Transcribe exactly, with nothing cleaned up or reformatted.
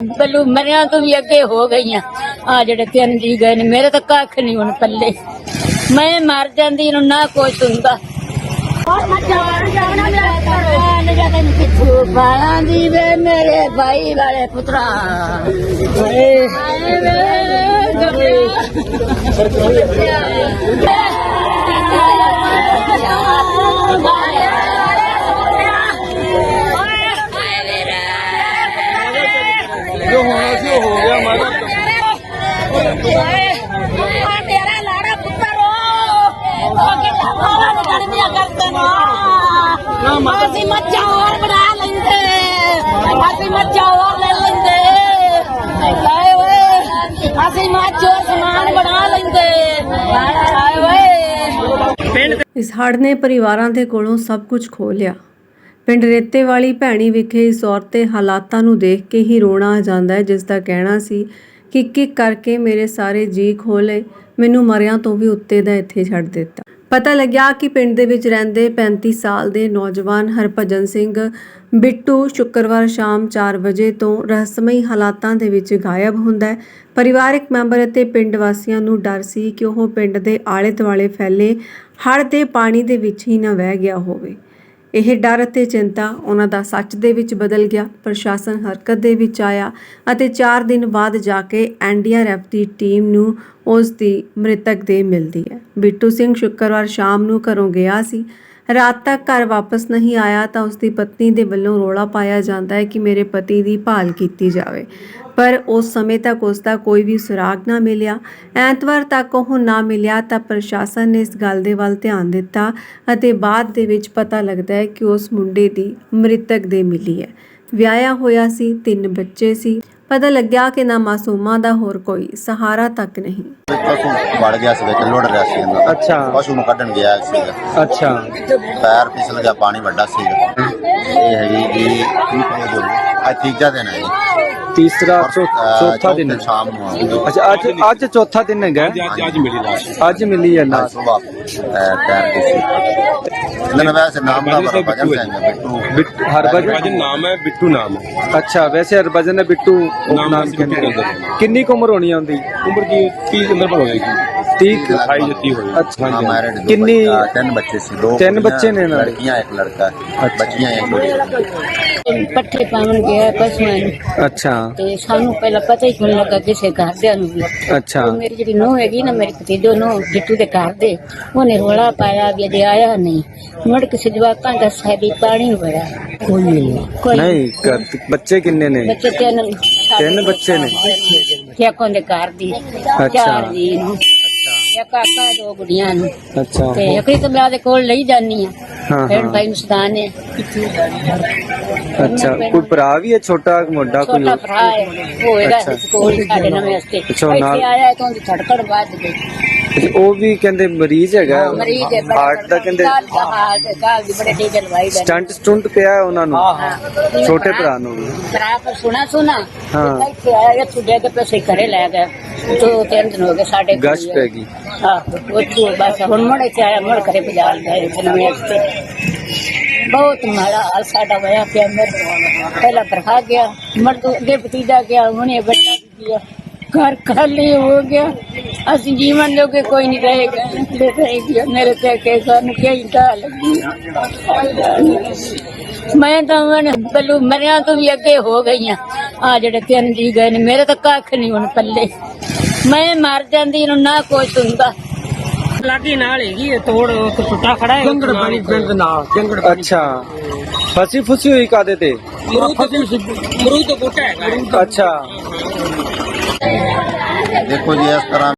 बल्लू मरिया तो भी अगे हो गई आ जेडे तीन जी गए ने मेरे तो कख नहीं हुण पल्ले मैं मर जांदी ना कुछ हुंदा बाला दी वे मेरे भाई वाले पुत्रा जो होना सी हो गया हमारा मेरा लाड़ा पुत्र ਅਸੀਂ ਮੱਝਾਂ ਹੋਰ ਬਣਾ ਲੈਂਦੇ ਅਸੀਂ ਮੱਝਾਂ ਹੋਰ ਲੈ ਲੈਂਦੇ ਹਾਏ ਓਏ ਅਸੀਂ ਮੱਝ ਹੋਰ ਸਮਾਨ ਬਣਾ ਲੈਂਦੇ ਹਾਏ ਓਏ। ਇਸ ਹੜ੍ਹ ਨੇ ਪਰਿਵਾਰਾਂ ਦੇ ਕੋਲੋਂ ਸਭ ਕੁਝ ਖੋਹ ਲਿਆ। ਪਿੰਡ ਰੇਤੇ ਵਾਲੀ ਭੈਣੀ ਵਿਖੇ ਇਸ ਔਰਤ ਦੇ ਹਾਲਾਤਾਂ ਨੂੰ ਦੇਖ ਕੇ ਹੀ ਰੋਣਾ ਆ ਜਾਂਦਾ ਹੈ, ਜਿਸ ਦਾ ਕਹਿਣਾ ਸੀ ਕਿ ਕਿੱਕ ਕਰਕੇ ਮੇਰੇ ਸਾਰੇ ਜੀ ਖੋਹ ਲਏ, ਮੈਨੂੰ ਮਰਿਆਂ ਤੋਂ ਵੀ ਉੱਤੇ ਦਾ ਇੱਥੇ ਛੱਡ ਦਿੱਤਾ। ਪਤਾ ਲੱਗਿਆ ਕਿ ਪਿੰਡ ਦੇ ਵਿੱਚ ਰਹਿੰਦੇ ਪੈਂਤੀ ਸਾਲ ਦੇ ਨੌਜਵਾਨ ਹਰਭਜਨ ਸਿੰਘ ਬਿੱਟੂ ਸ਼ੁੱਕਰਵਾਰ ਸ਼ਾਮ ਚਾਰ ਵਜੇ ਤੋਂ ਰਹੱਸਮਈ ਹਾਲਾਤਾਂ ਦੇ ਵਿੱਚ ਗਾਇਬ ਹੁੰਦਾ ਹੈ। ਪਰਿਵਾਰਕ ਮੈਂਬਰ ਅਤੇ ਪਿੰਡ ਵਾਸੀਆਂ ਨੂੰ ਡਰ ਸੀ ਕਿ ਉਹ ਪਿੰਡ ਦੇ ਆਲੇ ਦੁਆਲੇ ਫੈਲੇ ਹੜ੍ਹ ਦੇ ਪਾਣੀ ਦੇ ਵਿੱਚ ਹੀ ਨਾ ਵਹਿ ਗਿਆ ਹੋਵੇ। ਇਹ ਡਰ ਅਤੇ ਚਿੰਤਾ ਉਹਨਾਂ ਦਾ ਸੱਚ ਦੇ ਵਿੱਚ ਬਦਲ ਗਿਆ। ਪ੍ਰਸ਼ਾਸਨ ਹਰਕਤ ਦੇ ਵਿੱਚ ਆਇਆ ਅਤੇ ਚਾਰ ਦਿਨ ਬਾਅਦ ਜਾ ਕੇ ਐਨ ਡੀ ਆਰ ਐਫ ਦੀ ਟੀਮ ਨੂੰ ਉਸ ਦੀ ਮ੍ਰਿਤਕ ਦੇਹ ਮਿਲਦੀ ਹੈ। ਬਿੱਟੂ ਸਿੰਘ ਸ਼ੁੱਕਰਵਾਰ ਸ਼ਾਮ ਨੂੰ ਘਰੋਂ ਗਿਆ ਸੀ, ਰਾਤ ਤੱਕ ਘਰ ਵਾਪਸ ਨਹੀਂ ਆਇਆ ਤਾਂ ਉਸ ਦੀ ਪਤਨੀ ਦੇ ਵੱਲੋਂ ਰੌਲਾ ਪਾਇਆ ਜਾਂਦਾ ਹੈ ਕਿ ਮੇਰੇ ਪਤੀ ਦੀ ਭਾਲ ਕੀਤੀ ਜਾਵੇ, ਪਰ ਉਸ ਸਮੇਂ ਤੱਕ ਉਸ ਦਾ ਕੋਈ ਵੀ ਸੁਰਾਗ ਨਾ ਮਿਲਿਆ। ਐਤਵਾਰ ਤੱਕ ਉਹ ਨਾ ਮਿਲਿਆ ਤਾਂ ਪ੍ਰਸ਼ਾਸਨ ਨੇ ਇਸ ਗੱਲ ਦੇ ਵੱਲ ਧਿਆਨ ਦਿੱਤਾ ਅਤੇ ਬਾਅਦ ਦੇ ਵਿੱਚ ਪਤਾ ਲੱਗਦਾ ਹੈ ਕਿ ਉਸ ਮੁੰਡੇ ਦੀ ਮ੍ਰਿਤਕ ਦੇਹ ਮਿਲੀ ਹੈ। ਵਿਆਹਿਆ ਹੋਇਆ ਸੀ, ਤਿੰਨ ਬੱਚੇ ਸੀ। ਪਤਾ ਲੱਗਿਆ ਕਿ ਨਾ ਮਾਸੂਮਾਂ ਦਾ ਹੋਰ ਕੋਈ ਸਹਾਰਾ ਤੱਕ ਨਹੀਂ। ਪਸ਼ੂ ਵੜ ਗਿਆ ਸੀ ਵਿੱਚ ਲੁੜ ਰਿਹਾ ਸੀ ਇਹਨਾਂ ਦਾ। ਅੱਛਾ ਪਸ਼ੂ ਨੂੰ ਕੱਢਣ ਗਿਆ ਸੀਗਾ। ਅੱਛਾ ਪੈਰ ਫਿਸਲ ਗਿਆ, ਪਾਣੀ ਵੱਡਾ ਸੀਗਾ। ਇਹ ਹੈਗੀ ਜੀ ਅੱਜ ਤੀਜਾ ਦਿਨ ਹੈ ਜੀ। ਤੀਸਰਾ ਚੌਥਾ ਦਿਨ ਸ਼ਾਮ ਨੂੰ ਆਉਂਦੀ। ਅੱਛਾ ਅੱਜ ਅੱਜ ਚੌਥਾ ਦਿਨ ਹੈਗਾ। ਅੱਜ ਮਿਲੀ ਲਾਸ਼। ਅੱਜ ਮਿਲੀ ਹੈ ਲਾਸ਼। ਸੁਬਾਹ ਪੈਰ ਦੀ ਸੀ। ਇਹਨਾਂ ਵੈਸੇ ਨਾਮ ਦਾ ਹਰਭਜਨ ਸਿੰਘ ਬਿੱਟੂ। ਬਿੱਟੂ ਹਰਭਜਨ ਨਾਮ ਹੈ, ਬਿੱਟੂ ਨਾਮ ਹੈ। ਅੱਛਾ ਵੈਸੇ ਹਰਭਜਨ ਨੇ ਬਿੱਟੂ ਨਾਮ ਕਹਿੰਦੇ। ਕਿੰਨੀ ਕੁ ਉਮਰ ਹੋਣੀ ਆਉਂਦੀ? ਉਮਰ ਕੀ ਤੀਹ ਅੰਦਰ ਪਰ ਹੋਏਗੀ। ਤੀਹ ਅਠਾਈ ਜੱਤੀ ਹੋਈ। ਅੱਛਾ ਮੈਰਿਡ ਕਿੰਨੀ? ਤਿੰਨ ਬੱਚੇ ਸੀ। ਦੋ ਤਿੰਨ ਬੱਚੇ ਨੇ ਨਾਲ? ਲੜਕੀਆਂ ਇੱਕ ਲੜਕਾ। ਬੱਚੀਆਂ ਇੱਕ ਲੜਕੀ। ਪੱਠੇ ਪਾਉਣ ਗਿਆ ਪਸ਼ੂਆਂ ਨੂੰ ਅੱਛਾ ਤੇ ਸਾਨੂੰ ਪਹਿਲਾਂ ਪਤਾ ਹੀ ਨਹੀਂ ਲੱਗਾ ਕਿਸੇ ਘਰਦਿਆਂ ਨੂੰ ਵੀ। ਅੱਛਾ ਮੇਰੀ ਜਿਹੜੀ ਨੂੰਹ ਹੈਗੀ ਨਾ, ਮੇਰੀ ਭਤੀਜੋ ਨੂੰਹ ਬਿੱਟੂ ਦੇ ਘਰ ਦੇ, ਉਹਨੇ ਰੋਲਾ ਪਾਇਆ ਵੀ ਅਜੇ ਆਇਆ ਨਹੀਂ। ਮੁੜ ਕਿਸੇ ਜਵਾਕਾਂ ਦਾ ਸਾਡੀ ਪਾਣੀ ਵੜਾ ਕੋਈ ਨਹੀਂ ਕੋਈ ਨਹੀਂ ਘਰ- ਬੱਚੇ ਕਿੰਨੇ ਨੇ? ਬੱਚੇ ਤਿੰਨ ਤਿੰਨ ਬੱਚੇ ਨੇ। ਕਿਆਕੋਂ ਦੇ ਘਰ ਦੀ ਚਾਰ ਜੀ ਨੂੰ ਇੱਕ ਕਾਕਾ ਦੋ ਗੁੜੀਆਂ ਨੂੰ ਅੱਛਾ ਤੇ ਇੱਕ ਤਾਂ ਮੈਂ ਉਹਦੇ ਕੋਲ ਲਈ ਜਾਨੀ ਆ। ਹਾਂ ਫਿਰ ਹਾਂ ਭਾਈ ਮੁਸਤਾਨ ਹੈ ਅੱਛਾ ਕੋਈ ਭਰਾ ਵੀ ਹੈ ਛੋਟਾ ਮੁੰਡਾ ਕੋਈ? ਛੋਟਾ ਭਰਾ ਹੈ ਹੋਏਗਾ ਅੱਛਾ। ਕੋਲ ਸਾਡੇ ਨਵੇਂ ਵਾਸਤੇ ਅੱਛਾ, ਨਾਲ- ਇੱਥੇ ਆਇਆ ਤਾਂ ਉਹਦੀ ਧੜਕਣ ਵੱਧ ਗਈ। ਉਹ ਵੀ ਕਹਿੰਦੇ ਮਰੀਜ਼ ਹੈਗਾ ਮਰੀਜ਼ ਹੈ ਹਾਰਟ ਦਾ ਕਹਿੰਦੇ। ਹਾਰਟ ਕਾਲ ਦੀ ਬੜੇ ਟੀਕੇ ਲਵਾਈ ਦਾ ਸਟੰਟ ਸਟੁੰਟ ਪਿਆ ਹੈ ਉਹਨਾਂ ਨੂੰ ਛੋਟੇ ਭਰਾ ਨੂੰ ਵੀ। ਭਰਾ ਪਰ ਸੁਣਾ ਸੁਣਾ ਹਾਂ। ਇੱਥੇ ਆਇਆ ਇੱਥੇ ਦੇ ਕੇ ਪੈਸੇ ਘਰੇ ਲੈ ਗਏ। ਦੋ ਤਿੰਨ ਦਿਨ ਹੋ ਗਏ ਸਾਡੇ ਕੋਲ ਗਸ਼ ਪੈ ਗਈ। ਆਹੋ ਉਹ ਬਸ ਹੁਣ ਮੁੜ ਕੇ ਆਇਆ ਮੁੜ ਘਰੇ ਪਜਾ ਲਿਆ ਇੱਥੇ ਨਵੇਂ ਵਾਸਤੇ। ਬਹੁਤ ਮਾੜਾ ਹਾਲ ਸਾਡਾ ਹੋਇਆ ਪਿਆ। ਮੇਰੇ ਪਹਿਲਾ ਭਰਾ ਗਿਆ, ਮੁੜ ਤੋਂ ਅੱਗੇ ਭਤੀਜਾ ਗਿਆ, ਹੁਣੇ ਬੱਚਾ ਵੀ ਗਿਆ। घर खाली हो गया। असि जीवन जोगे कोई नहीं रहेगा। रहेगी मेरे ते के सानू क्या ही लगी। मैं तो बल्लू मरिया तो भी अगे हो गई आ जेडे तीन जी गए ने मेरे तो कख नहीं हुण पल्ले मैं मर जांदी ना कुछ हुंदा। लागी नाल हैगी तोड़ टुटा खड़ा है जंगड़ पानी पिंड नाल जंगड़। अच्छा फसी फुसी हुई कादे ते? मरूद तो बूटा है। अच्छा देखो जी इस तरह